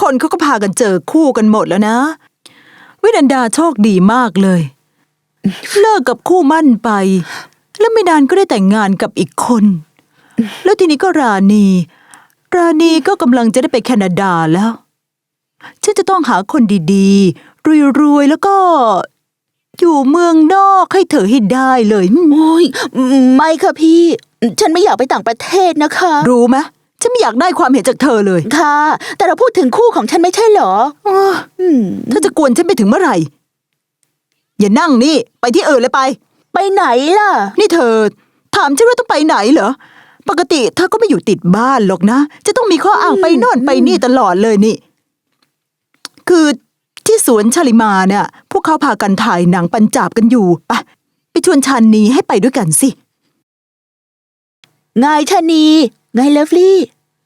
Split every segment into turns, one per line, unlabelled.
คนเขาก็พากันเจอคู่กันหมดแล้วนะวินันดาโชคดีมากเลยเลิกกับคู่มั่นไปแล้วไม่นานก็ได้แต่งงานกับอีกคนแล้วทีนี้ก็ราณีก็กำลังจะได้ไปแคนาดาแล้วฉันจะต้องหาคนดีๆรวยๆแล้วก็อยู่เมืองนอกให้เธอให้ได้เลย
โอ้ยไม่ค่ะพี่ฉันไม่อยากไปต่างประเทศนะคะ
รู้ไหมฉันไม่อยากได้ความเห็นจากเธอเลย
ค่ะแต่เราพูดถึงคู่ของฉันไม่ใช่เหรอ
เธอจะกวนฉันไปถึงเมื่อไหร่อย่านั่งนี่ไปที่อื่นเลยไป
ไหนล่ะ
นี่เธอถามฉันว่าต้องไปไหนเหรอปกติเธอก็ไม่อยู่ติดบ้านหรอกนะจะต้องมีข้ออ้างไปโน่นไปนี่ตลอดเลยนี่คือที่สวนชาลิมาเนี่ยพวกเขาพากันถ่ายหนังปัญจาบกันอยู่ไปชวนชานีให้ไปด้วยกันสิ
ไงชานีไงเลิฟลี่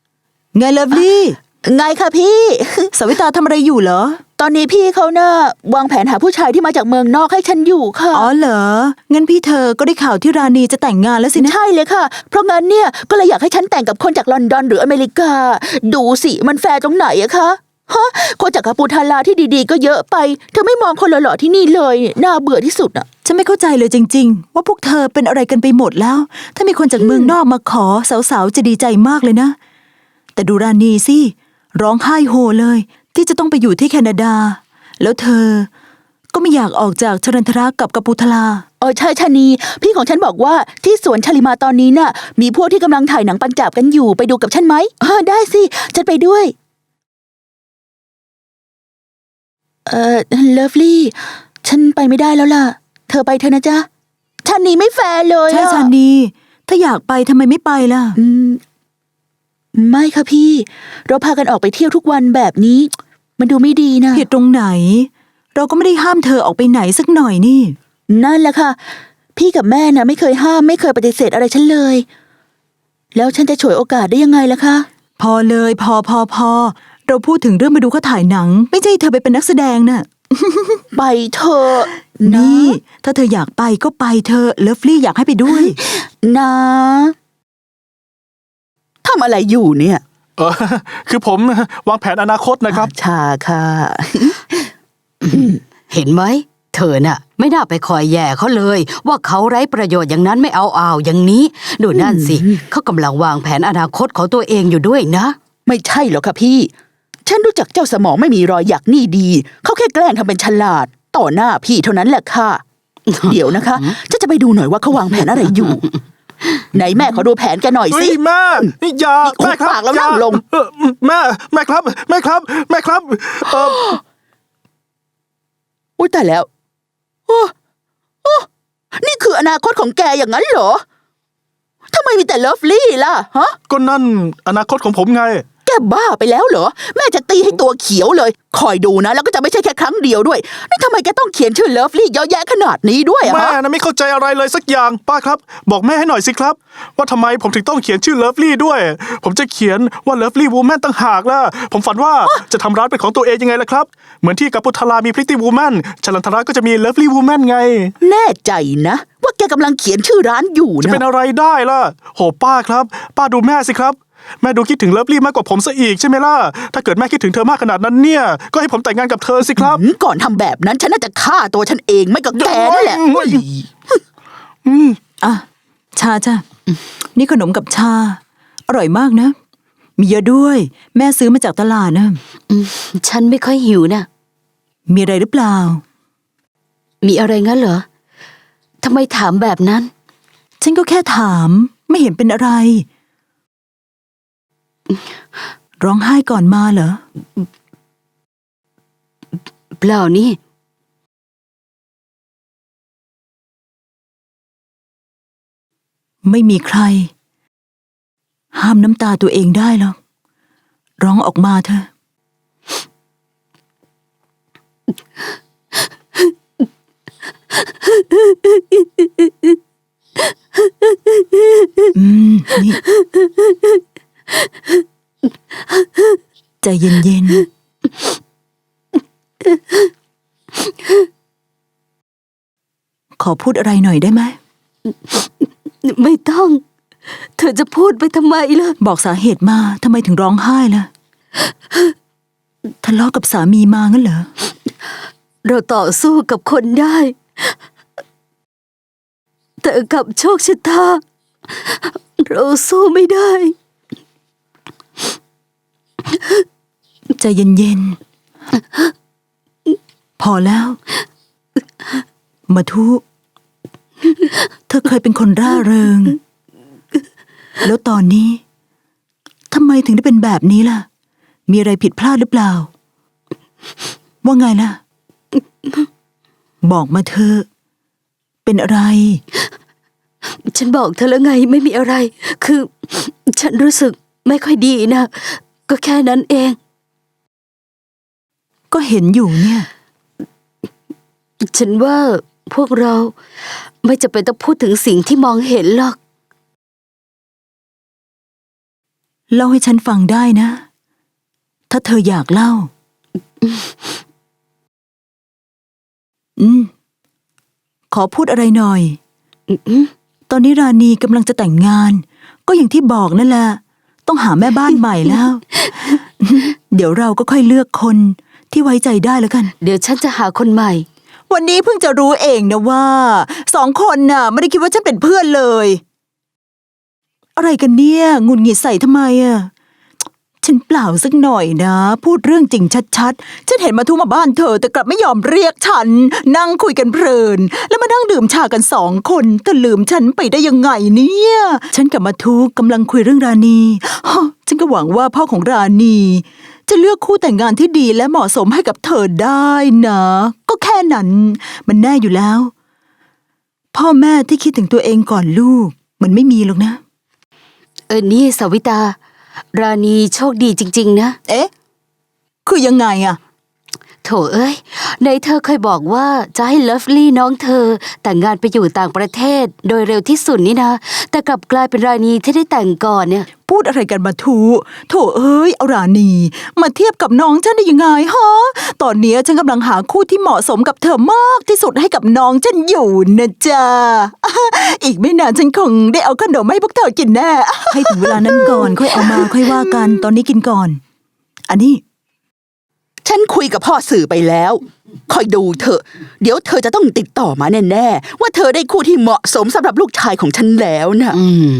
ไงค่ะพี่
สวิตาทำอะไรอยู่เหรอ
ตอนนี้พี่เขาน่ะวางแผนหาผู้ชายที่มาจากเมืองนอกให้ฉันอยู่ค่ะ
อ๋อเหรองั้นพี่เธอก็ได้ข่าวที่ราณีจะแต่งงานแล้วสินะ
ใช่เลยค่ะเพราะงั้นเนี่ยก็เลยอยากให้ฉันแต่งกับคนจากลอนดอนหรืออเมริกาดูสิมันแฟร์ตรงไหนอะคะฮะคนจากกัปูทาลาที่ดีๆก็เยอะไปเธอไม่มองคนหล่อๆที่นี่เลยน่าเบื่อที่สุดอะ
ฉันไม่เข้าใจเลยจริงๆว่าพวกเธอเป็นอะไรกันไปหมดแล้วถ้ามีคนจากเมืองนอกมาขอสาวๆจะดีใจมากเลยนะแต่ดูราณีสิร้องไห้โฮเลยที่จะต้องไปอยู่ที่แคนาดาแล้วเธอก็ไม่อยากออกจากชรันทรากับกัปูทาลา
ใช่ชานีพี่ของฉันบอกว่าที่สวนชาลิมาตอนนี้น่ะมีพวกที่กำลังถ่ายหนังปัญจาบกันอยู่ไปดูกับฉันไหมได้สิฉันไปด้วยเลิฟลี่ฉันไปไม่ได้แล้วล่ะเธอไปเถอะนะจ๊ะชานีไม่แฟร์เลย
ใช่ชานีถ้าอยากไปทำไมไม่ไปล่ะ
ไม่ค่ะพี่เราพากันออกไปเที่ยวทุกวันแบบนี้มันดูไม่ดีนะ
ผิดตรงไหนเราก็ไม่ได้ห้ามเธอออกไปไหนสักหน่อยนี่
นั่นแหละค่ะพี่กับแม่น่ะไม่เคยห้ามไม่เคยปฏิเสธอะไรฉันเลยแล้วฉันจะฉวยโอกาสได้ยังไงล่ะคะ
พอเลยพอเราพูดถึงเรื่องมาดูเขาถ่ายหนังไม่ใช่เธอไปเป็นนักแสดงน่ะ
ไปเถอะ
นี่ถ้าเธออยากไปก็ไปเธอเลิฟลี่อยากให้ไปด้วย
นะทำอะไรอยู่เนี่ย
คือผมวางแผนอนาคตนะครับ
ชาค่ะ
เห็นไหมเธอน่ะไม่น่าไปคอยแย่เขาเลยว่าเขาไร้ประโยชน์อย่างนั้นไม่เอาอย่างนี้ดูนั่นสิเขากำลังวางแผนอนาคตของตัวเองอยู่ด้วยนะ
ไม่ใช่หรอกค่ะพี่ฉันรู้จักเจ้าสมองไม่มีรอยหยักนี่ดีเขาแค่แกล้งทำเป็นฉลาดต่อหน้าพี่เท่านั้นแหละค่ะเดี๋ยวนะคะจะไปดูหน่อยว่าเขาวางแผนอะไรอยู่ไหนแม่ขอดูแผนแกหน่อยสิ
แม่อย่า
แม่ครับแล้วนั่งลง
แม่ครับ
อุ้ยแต่แล้วนี่คืออนาคตของแกอย่างนั้นเหรอทำไมมีแต่เลิฟลี่ล่ะฮะ
ก็นั่นอนาคตของผมไง
แกบ้าไปแล้วเหรอแม่จะตีให้ตัวเขียวเลยคอยดูนะแล้วก็จะไม่ใช่แค่ครั้งเดียวด้วยนี่ทำไมแกต้องเขียนชื่อเลิฟลี่เยอะแยะขนาดนี้ด้วย
แม่นะไม่เข้าใจอะไรเลยสักอย่างป้าครับบอกแม่ให้หน่อยสิครับว่าทำไมผมถึงต้องเขียนชื่อเลิฟลี่ด้วยผมจะเขียนว่าเลิฟลี่วูแมนตั้งหากล่ะผมฝันว่าจะทำร้านเป็นของตัวเองยังไงล่ะครับเหมือนที่กัปูทาลามีพริตตี้วูแมนชลันทราก็จะมีเลิฟลี่วูแมนไง
แน่ใจนะว่าแกกำลังเขียนชื่อร้านอยู่นะ
จะเป็นอะไรได้ล่ะโหป้าครับป้าดูแม่สิครับแม่ดูคิดถึงเลิฟลี่มากกว่าผมซะอีกใช่ไหมล่ะถ้าเกิดแม่คิดถึงเธอมากขนาดนั้นเนี่ยก็ให้ผมแต่งงานกับเธอสิครับ
ก่อนทำแบบนั้นฉันน่าจะฆ่าตัวฉันเองไม่ก็แกนั่นแหละ
ชาจ้ะนี่ขนมกับชาอร่อยมากนะมีเยอะด้วยแม่ซื้อมาจากตลาดนะ
ฉันไม่ค่อยหิวนะ
มีอะไรหรือเปล่า
มีอะไรงั้นเหรอทำไมถามแบบนั้น
ฉันก็แค่ถามไม่เห็นเป็นอะไรร้องไห้ก่อนมาเหรอ
เปล่านี่
ไม่มีใครห้ามน้ำตาตัวเองได้หรอกร้องออกมาเถอะนี่ใจเย็นๆขอพูดอะไรหน่อยได้ไหม
ไม่ต้องเธอจะพูดไปทำไมล่ะ
บอกสาเหตุมาทำไมถึงร้องไห้ล่ะทะเลาะกับสามีมางั้นเหรอ
เราต่อสู้กับคนได้ แต่กับโชคชะตาเราสู้ไม่ได้
ใจเย็นๆ พอแล้ว มาทุ เธอเคยเป็นคนร่าเริง แล้วตอนนี้ทำไมถึงได้เป็นแบบนี้ล่ะ มีอะไรผิดพลาดหรือเปล่า ว่าไงล่ะ บอกมาเธอะเป็นอะไร
ฉันบอกเธอแล้วไงไม่มีอะไร คือฉันรู้สึกไม่ค่อยดีนะ ก็แค่นั้นเอง
ก็เห็นอยู่เนี่ย
ฉันว่าพวกเราไม่จำเป็นต้องพูดถึงสิ่งที่มองเห็นหรอก
เล่าให้ฉันฟังได้นะ ถ้าเธออยากเล่า ขอพูดอะไรหน่อย ตอนนี้ราณีกำลังจะแต่งงาน ก็อย่างที่บอกนั่นแหละ ต้องหาแม่บ้านใหม่แล้ว เดี๋ยวเราก็ค่อยเลือกคนที่ไว้ใจได้แล้วกัน
เดี๋ยวฉันจะหาคนใหม่
วันนี้เพิ่งจะรู้เองนะว่า2 คนน่ะไม่ได้คิดว่าฉันเป็นเพื่อนเลย อะไรกันเนี่ยหงุดหงิดใส่ทำไมอ่ะฉันเปล่าสักหน่อยนะ พูดเรื่องจริงชัดๆฉันเห็นมาทุมาบ้านเธอแต่กลับไม่ยอมเรียกฉัน นั่งคุยกันเพลิน แล้วมานั่งดื่มชากัน2 คนเธอลืมฉันไปได้ยังไงเนี่ย ฉันกับมาทุกำลังคุยเรื่องราณีฮะฉันก็หวังว่าพ่อของราณีจะเลือกคู่แต่งงานที่ดีและเหมาะสมให้กับเธอได้นะ ก็แค่นั้นมันแน่อยู่แล้ว พ่อแม่ที่คิดถึงตัวเองก่อนลูกมันไม่มีหรอกนะ
นี่สวิตา ราณีโชคดีจริงๆนะ
เอ๊ะ คือยังไงอะ
โถเอ้ยในเธอเคยบอกว่าจะให้เลิฟลี่น้องเธอแต่งงานไปอยู่ต่างประเทศโดยเร็วที่สุดนี่นะ แต่กลับกลายเป็นราณีที่ได้แต่งก่อนเนี่ย
พูดอะไรกันมาทูโถเอ้ยเอาราณีมาเทียบกับน้องฉันได้ยังไงฮะ ตอนนี้ฉันกำลังหาคู่ที่เหมาะสมกับเธอมากที่สุดให้กับน้องฉันอยู่นะจ๊ะ อีกไม่นานฉันคงได้เอาขนมให้พวกเธอกินแน่ ให้ถึงเวลานั้นก่อนค่อยเอามาค่อยว่ากันตอนนี้กินก่อน อันนี้
ฉันคุยกับพ่อสื่อไปแล้วคอยดูเถอะ เดี๋ยวเธอจะต้องติดต่อมาแน่ๆว่าเธอได้คู่ที่เหมาะสมสำหรับลูกชายของฉันแล้วนะ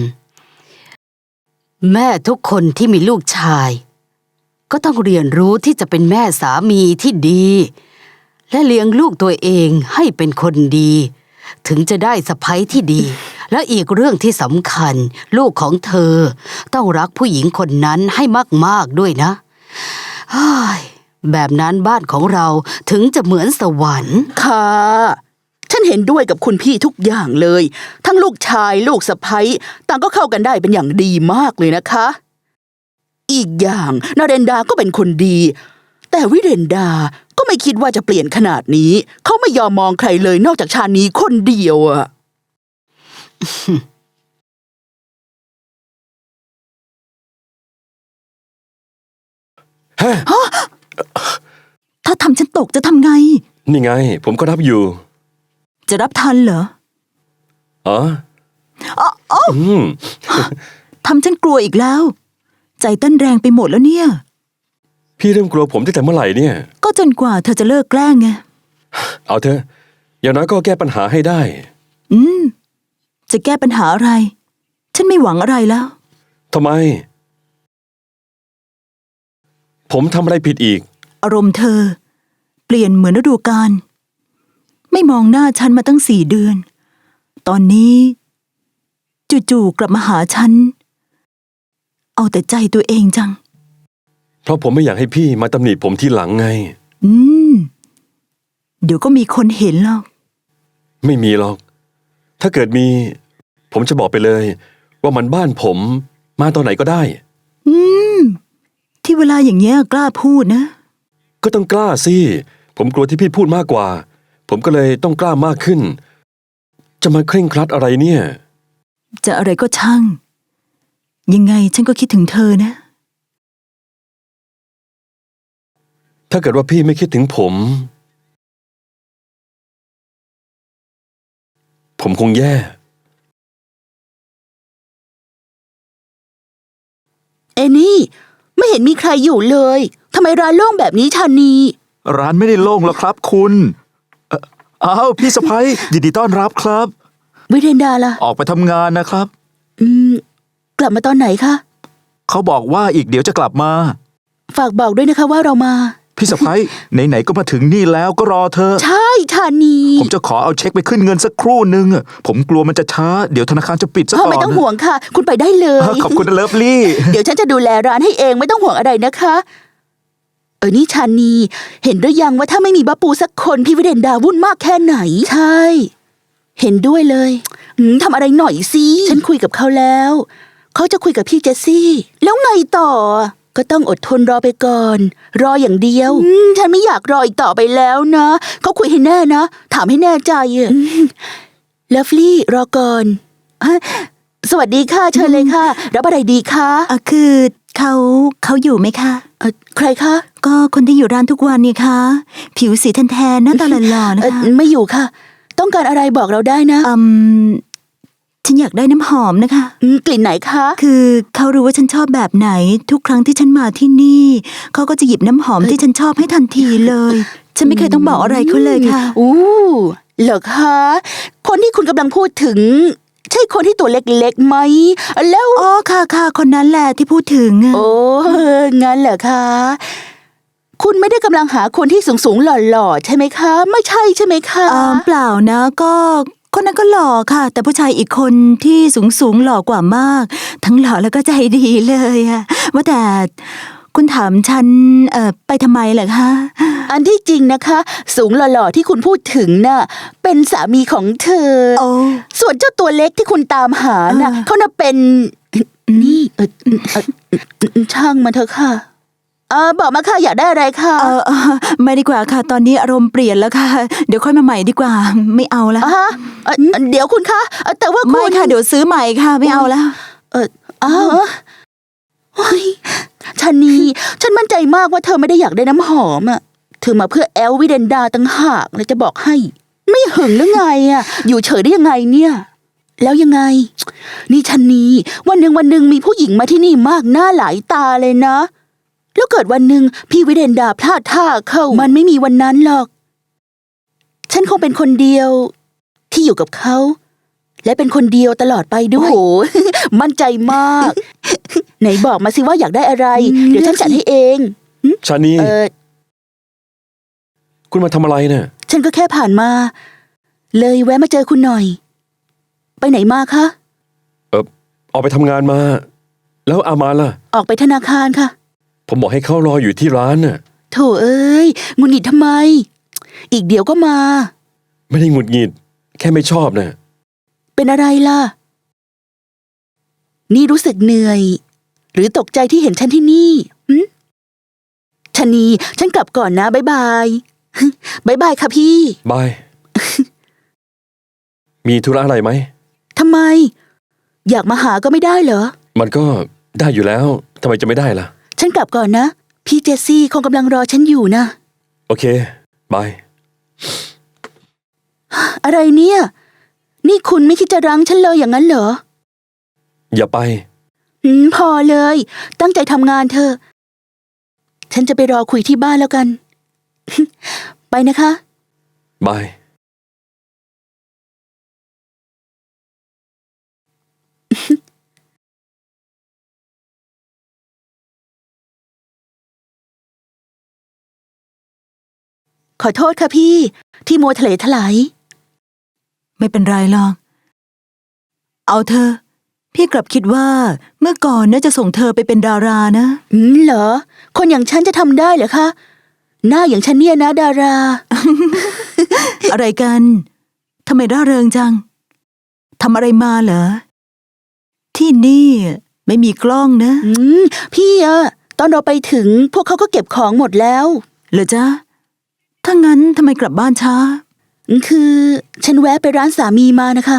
แม่ทุกคนที่มีลูกชาย ก็ต้องเรียนรู้ที่จะเป็นแม่สามีที่ดี และเลี้ยงลูกตัวเองให้เป็นคนดี ถึงจะได้สะใภ้ที่ดี และอีกเรื่องที่สำคัญ ลูกของเธอต้องรักผู้หญิงคนนั้นให้มากๆด้วยนะเฮ้ยแบบนั้นบ้านของเราถึงจะเหมือนสวรรค์
ค่ะ ฉันเห็นด้วยกับคุณพี่ทุกอย่างเลย ทั้งลูกชายลูกสะใภ้ต่างก็เข้ากันได้เป็นอย่างดีมากเลยนะคะ อีกอย่างนาเรนดาก็เป็นคนดี แต่วิเรนดาก็ไม่คิดว่าจะเปลี่ยนขนาดนี้ เขาไม่ยอมมองใครเลยนอกจากชาญนี้คนเดียวอะ
ถ้าทำฉันตกจะทำไง
นี่ไง ผมก็รับอยู่
จะรับทันเหรอ
อ๋อ
อ๋อ
อืม
ทำฉันกลัวอีกแล้ว ใจเต้นแรงไปหมดแล้วเนี่ย
พี่เริ่มกลัวผมตั้งแต่เมื่อไหร่เนี่ย
ก็จนกว่าเธอจะเลิกแกล้งไง
เอาเถอะ อย่างน้อยก็แก้ปัญหาให้ได้
จะแก้ปัญหาอะไร ฉันไม่หวังอะไรแล้ว
ทำไม ผมทำอะไรผิดอีก
อารมณ์เธอ เปลี่ยนเหมือนฤดูกาลไม่มองหน้าฉันมาตั้ง4 เดือน ตอนนี้ จู่ๆกลับมาหาฉัน เอาแต่ใจตัวเองจัง
เพราะผมไม่อยากให้พี่มาตำหนิผมทีหลังไง
เดี๋ยวก็มีคนเห็นหรอก
ไม่มีหรอก ถ้าเกิดมี ผมจะบอกไปเลย ว่ามันบ้านผมมาตอนไหนก็ได้
ที่เวลาอย่างเงี้ยกล้าพูดนะ
ก็ต้องกล้าสิ ผมกลัวที่พี่พูดมากกว่า ผมก็เลยต้องกล้ามากขึ้น จะมาเคร่งครัดอะไรเนี่ย
จะอะไรก็ช่าง ยังไงฉันก็คิดถึงเธอนะ
ถ้าเกิดว่าพี่ไม่คิดถึงผมคงแย่
เอนี่ไม่เห็นมีใครอยู่เลยททำไมร้านโล่งแบบนี้ชานี
ร้านไม่ได้โล่งหรอกครับคุณอ้าวพี่สะพ้ยยินดีต้อนรับครับ
วิเดนดาล่ะ
ออกไปทำงานนะครับ
กลับมาตอนไหนคะ
เขาบอกว่าอีกเดี๋ยวจะกลับมา
ฝากบอกด้วยนะคะว่าเรามา
พี่สะพ้ยไหนๆก็มาถึงนี่แล้วก็รอเธอ
ใช่ชานี
ผมจะขอเอาเช็คไปขึ้นเงินสักครู่นึงผมกลัวมันจะช้าเดี๋ยวธนาคารจะปิดซะก่อน
ไม่ต้องห่วงค่ะ คุณไปได้เลย
ขอบคุณนะเลิฟลี่
เดี๋ยวฉันจะดูแลร้านให้เองไม่ต้องห่วงอะไรนะคะ นี่ชานี เห็นหรือยังว่าถ้าไม่มีบ้าปูสักคนพี่วิเดนดาวุ่นมากแค่ไหน ใช่ เห็นด้วยเลยทำอะไรหน่อยสิฉันคุยกับเขาแล้ว เขาจะคุยกับพี่เจสซี่ แล้วไงต่อ ก็ต้องอดทนรอไปก่อน รออย่างเดียวฉันไม่อยากรออีกต่อไปแล้วนะเขาคุยให้แน่นะถามให้แน่ใจเลิฟลี่รอก่อนสวัสดีค่ะเชิญเลยค่ะรับอะไรดีคะ
คือเขาอยู่ไหมคะ
ใครคะ
ก็คนที่อยู่ร้านทุกวันนี่คะผิวสีแทนๆหน้าตาหล่อๆนะคะ
ไม่อยู่ค่ะ ต้องการอะไรบอกเราได้นะ
ฉันอยากได้น้ำหอมนะคะ
กลิ่นไหนคะ
คือเขารู้ว่าฉันชอบแบบไหน ทุกครั้งที่ฉันมาที่นี่เขาก็จะหยิบน้ำหอมที่ฉันชอบให้ทันทีเลย ฉันไม่เคยต้องบอกอะไรเขาเลยค่ะ
เหรอคะคนที่คุณกำลังพูดถึง ใช่คนที่ตัวเล็กๆไหมแล้ว
อ๋อค่ะคนนั้นแหละที่พูดถึงอะ
โอ้งั้นเหรอคะคุณไม่ได้กำลังหาคนที่สูงๆหล่อๆใช่ไหมคะ ไม่ใช่ใช่ไหมคะ
เปล่านะก็คนนั้นก็หล่อค่ะ แต่ผู้ชายอีกคนที่สูงหล่อกว่ามาก ทั้งหล่อแล้วก็ใจดีเลยอะว่าแต่คุณถามฉันไปทำไมเหรอคะ
อันที่จริงนะคะ สูงหล่อๆที่คุณพูดถึงน่ะเป็นสามีของเธอ
โอ้
ส่วนเจ้าตัวเล็กที่คุณตามหาน่ะเขาน่ะเป็นนี่ช่างมันเถอะค่ะบอกมาค่ะอยากได้อะไรค่ะ
ไม่ดีกว่าค่ะ ตอนนี้อารมณ์เปลี่ยนแล้วค่ะ เดี๋ยวค่อยมาใหม่ดีกว่า ไม่เอาแล้ว
เดี๋ยวคุณคะแต่ว่าคุ
ไม่
ณ
ค่ะเดี๋ยวซื้อใหม่ค่ะ ไม่เอาแล้ว
อ้าวเฮ้ยชานี ฉันมั่นใจมากว่าเธอไม่ได้อยากได้น้ำหอมอ่ะเธอมาเพื่อแอลวิเดนดาตั้งหากเลยจะบอกให้ ไม่หึงหรือไงอ่ะ อยู่เฉยได้ยังไงเนี่ย แล้วยังไง นี่ชานีวันหนึ่งมีผู้หญิงมาที่นี่มากหน้าหลายตาเลยนะ แล้วเกิดวันหนึ่งพี่วิเดนดาพลาดท่าเข้ามันไม่มีวันนั้นหรอก ฉันคงเป็นคนเดียวที่อยู่กับเขา และเป็นคนเดียวตลอดไปด้วย โอ้โห มั่นใจมาก ไหนบอกมาสิว่าอยากได้อะไร เดี๋ยวฉันจัดให้เอง
ชานี คุณมาทำอะไรเนี่ย
ฉันก็แค่ผ่านมา เลยแวะมาเจอคุณหน่อย ไปไหนมาคะ
ออกไปทำงานมา แล้วอามาล่ะ
ออกไปธนาคารค่ะ
ผมบอกให้เขารออยู่ที่ร้านน่ะ
โถเอ้ยหงุดหงิดทำไม อีกเดี๋ยวก็มา
ไม่ได้หงุดหงิด แค่ไม่ชอบน่ะ
เป็นอะไรล่ะ นี่รู้สึกเหนื่อย หรือตกใจที่เห็นฉันที่นี่ชะนี ฉันกลับก่อนนะบ๊ายบาย บ๊ายบายค่ะพี่
บาย มีธุระอะไรไหม
ทำไม อยากมาหาก็ไม่ได้เหรอ
มันก็ได้อยู่แล้ว ทำไมจะไม่ได้ล่ะ
ฉันกลับก่อนนะ พี่เจสซี่คงกำลังรอฉันอยู่นะ
โอเค บาย
อะไรเนี่ย นี่คุณไม่คิดจะรั้งฉันเลยอย่างนั้นเหรอ
อย่าไป
พอเลย ตั้งใจทำงานเธอะ ฉันจะไปรอคุยที่บ้านแล้วกัน ไปนะคะ
บาย
ขอโทษค่ะพี่ ที่มัวทะเลถลาย
ไม่เป็นไรหรอก เอาเธอ พี่กลับคิดว่าเมื่อก่อนน่าจะส่งเธอไปเป็นดารานะ
เหรอ คนอย่างฉันจะทำได้เหรอคะ หน้าอย่างฉันเนี่ยนะดารา
อะไรกันทำไมร่าเริงจังทำอะไรมาเหรอ ที่นี่ไม่มีกล้องนะ
พี่ตอนเราไปถึงพวกเขาก็เก็บของหมดแล้ว
เหรอจ๊ะถ้างั้นทำไมกลับบ้านช้า
คือฉันแวะไปร้านสามีมานะคะ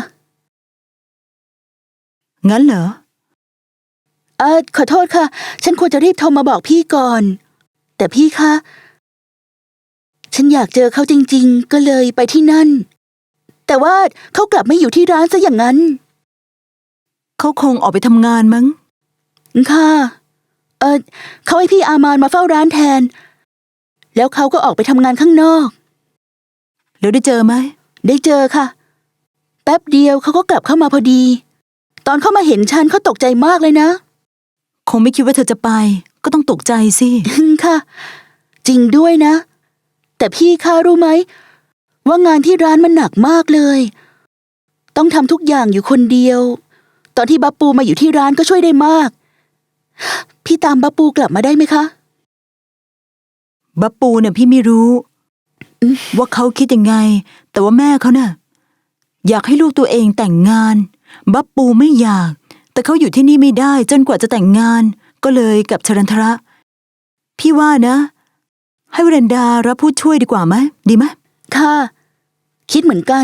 งั้นเหรอ
ขอโทษค่ะ ฉันควรจะรีบโทรมาบอกพี่ก่อน แต่พี่คะ ฉันอยากเจอเขาจริงๆ ก็เลยไปที่นั่น แต่ว่าเขากลับไม่อยู่ที่ร้านซะอย่างนั้น
เขาคงออกไปทำงานมั้ง
ค่ะเขาให้พี่อามานมาเฝ้าร้านแทน แล้วเขาก็ออกไปทำงานข้างนอก
แล้วได้เจอไหม
ได้เจอค่ะ แป๊บเดียวเขาก็กลับเข้ามาพอดี ตอนเขามาเห็นฉันเขาตกใจมากเลยนะ
คงไม่คิดว่าเธอจะไป ก็ต้องตกใจสิ
ค่ะ จริงด้วยนะ แต่พี่คะรู้ไหมว่างานที่ร้านมันหนักมากเลย ต้องทำทุกอย่างอยู่คนเดียว ตอนที่บัปปูมาอยู่ที่ร้านก็ช่วยได้มาก พี่ตามบัปปูกลับมาได้ไหมคะ
บัปปูเนี่ยพี่ไม่รู้ ว่าเขาคิดยังไง แต่ว่าแม่เขาเนี่ยอยากให้ลูกตัวเองแต่งงาน บัปปูไม่อยาก แต่เขาอยู่ที่นี่ไม่ได้จนกว่าจะแต่งงาน ก็เลยกับชรันทระ พี่ว่านะ ให้วรันดารับผู้ช่วยดีกว่าไหมดีไหม
ค่ะ คิดเหมือนกัน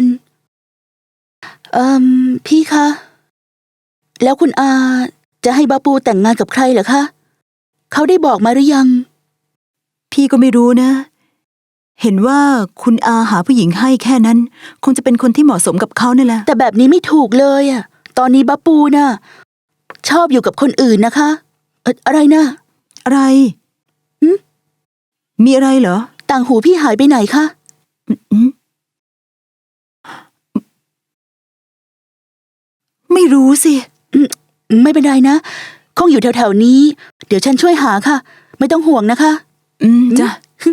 พี่คะ แล้วคุณอาจะให้บัปปูแต่งงานกับใครเหรอคะ เขาได้บอกมาหรือยัง
พี่ก็ไม่รู้นะ เห็นว่าคุณอาหาผู้หญิงให้แค่นั้น คงจะเป็นคนที่เหมาะสมกับเขานั่นแหละ
แต่แบบนี้ไม่ถูกเลยอะตอนนี้บัปปูน่ะชอบอยู่กับคนอื่นนะคะ อะไรนะ
อะไร
หึ
มีอะไรเหรอ
ต่างหูพี่หายไปไหนคะ
อืมไม่รู้สิ
ไม่เป็นไรนะ คงอยู่แถวๆนี้ เดี๋ยวฉันช่วยหาค่ะ ไม่ต้องห่วงนะคะ
จ้ะ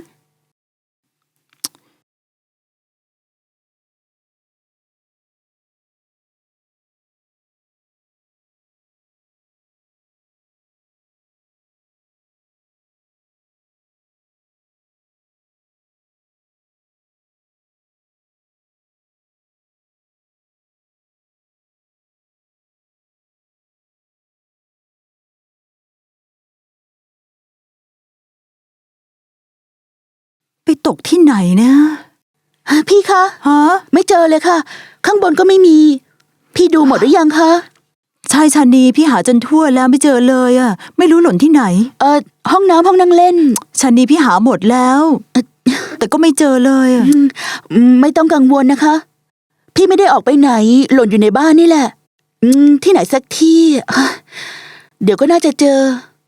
ไปตกที่ไหนนะ
พี่คะ
ฮะ
ไม่เจอเลยค่ะ ข้างบนก็ไม่มี พี่ดูหมดหรือยังคะ
ชายชานีพี่หาจนทั่วแล้วไม่เจอเลยอะไม่รู้หล่นที่ไหน
ห้องน้ำห้องนั่งเล่น
ชานีพี่หาหมดแล้ว แต่ก็ไม่เจอเลยอะ
ไม่ต้องกังวลนะคะ พี่ไม่ได้ออกไปไหน หล่นอยู่ในบ้านนี่แหละ ที่ไหนสักที่เดี๋ยวก็น่าจะเจอ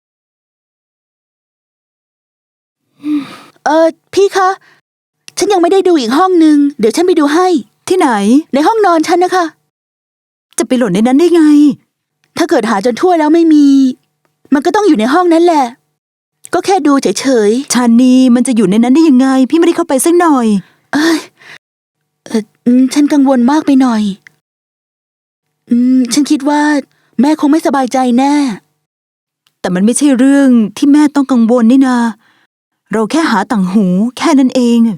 พี่คะ ฉันยังไม่ได้ดูอีกห้องนึง เดี๋ยวฉันไปดูให้
ที่ไหน
ในห้องนอนฉันนะคะ
จะไปหล่นในนั้นได้ไง
ถ้าเกิดหาจนทั่วแล้วไม่มี มันก็ต้องอยู่ในห้องนั้นแหละ ก็แค่ดูเฉย
ชานีมันจะอยู่ในนั้นได้ยังไง พี่ไม่ได้เข้าไปสักหน่อย
ฉันกังวลมากไปหน่อย ฉันคิดว่า แม่คงไม่สบายใจแน่
แต่มันไม่ใช่เรื่องที่แม่ต้องกังวลนี่นา เราแค่หาต่างหูแค่นั้นเอง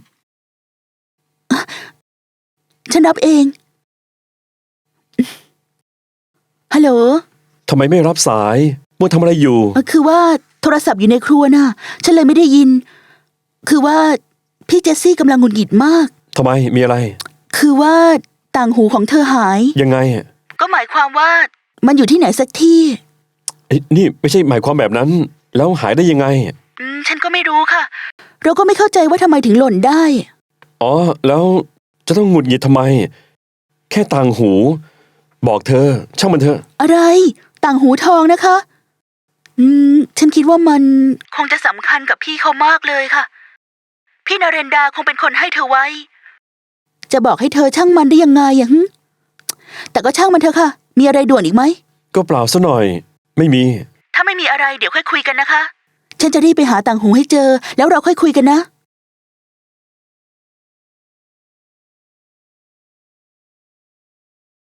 ฉันรับเอง ฮัลโหล
ทำไมไม่รับสายมัวทำอะไรอยู่
คือว่าโทรศัพท์อยู่ในครัวน่ะ ฉันเลยไม่ได้ยิน คือว่าพี่เจสซี่กำลังหงุดหงิดมาก
ทำไมมีอะไร
คือว่าต่างหูของเธอหาย
ยังไง
ก็หมายความว่า มันอยู่ที่ไหนสักที่
นี่ไม่ใช่หมายความแบบนั้น แล้วหายได้ยังไง
ฉันก็ไม่รู้ค่ะ เราก็ไม่เข้าใจว่าทำไมถึงหล่นได้
อ๋อ แล้วจะต้องหงุดหงิดทำไม แค่ต่างหู บอกเธอ ช่างมันเถอะ
อะไร ต่างหูทองนะคะ ฉันคิดว่ามันคงจะสำคัญกับพี่เขามากเลยค่ะ พี่นาเรนดาคงเป็นคนให้เธอไว้ จะบอกให้เธอช่างมันได้ยังไงอะแต่ก็ช่างมันเถอะค่ะ มีอะไรด่วนอีกไหม
ก็เปล่าซะหน่อย ไม่มี
ถ้าไม่มีอะไรเดี๋ยวค่อยคุยกันนะคะ ฉันจะรีบไปหาต่างหูให้เจอ แล้วเราค่อยคุยกันนะ